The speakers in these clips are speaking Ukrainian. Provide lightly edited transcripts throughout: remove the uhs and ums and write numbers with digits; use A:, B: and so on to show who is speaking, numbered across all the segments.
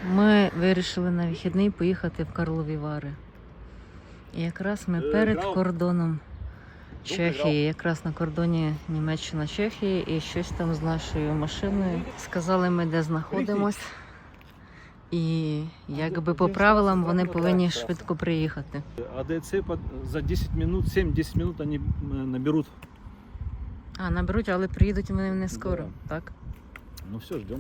A: Ми вирішили на вихідний поїхати в Карлові Вари. І якраз ми перед кордоном Чехії, якраз на кордоні Німеччина-Чехії, і щось там з нашою машиною. Сказали ми, де знаходимось. І якби по правилам вони повинні швидко приїхати.
B: АДЦ за 10 минут, 7-10 минут вони наберуть.
A: А, наберуть, але приїдуть вони не скоро, так?
B: Ну все, ждем.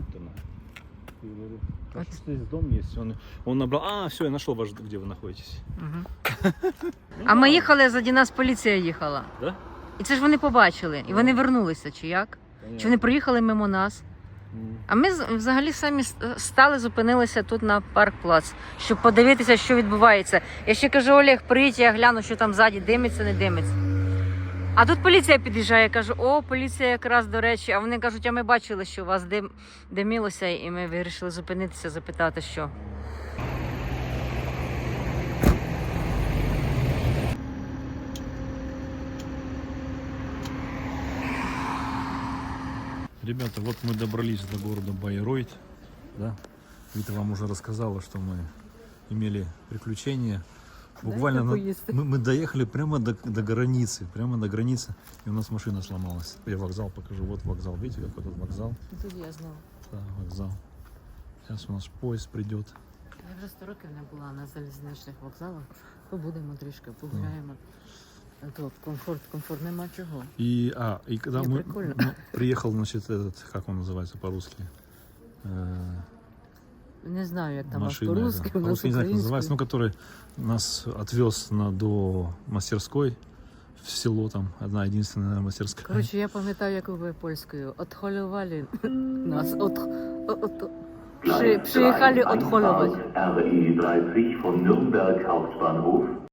B: Вот здесь дом есть. Он набрал. Все, я нашел ваш, где вы находитесь.
A: Угу. А ми їхали, заді нас поліція їхала.
B: Да?
A: І це ж вони побачили. І вони вернулися, чи як?
B: Понятно.
A: Чи вони проїхали мимо нас? А ми взагалі самі стали, зупинилися тут на парк-плац, щоб подивитися, що відбувається. Я ще кажу, Олег, приїдь, я гляну, що там ззаді, димиться, не димиться. А тут поліція під'їжджає, я кажу, о, поліція якраз, до речі. А вони кажуть, а ми бачили, що у вас димілося, і ми вирішили зупинитися, запитати, що.
B: Ребята, вот мы добрались до города Байройт. Да? Вита вам уже рассказала, что мы имели приключения. Буквально мы доехали прямо до границы, и у нас машина сломалась. Я вокзал покажу. Вот вокзал, видите, какой тут вокзал?
A: Тут я знала.
B: Да, вокзал. Сейчас у нас поезд придет.
A: Я вже 100 років не була на залізничних вокзалах. Побудемо трішки, погуляємо. Тут комфорт, нема чого.
B: И когда мы приехал, значит, как он называется по-русски?
A: Не знаю, як там
B: машина,
A: по-русски, у нас
B: по-русски не знаю, как
A: українською.
B: называется, но который нас отвез до мастерской в село, там одна единственная, наверное, мастерская.
A: Коротше, я пам'ятаю, як ви польською. Отхолювали нас. Приїхали отхолювати.
C: RE 30 von Nürnberg Hauptbahnhof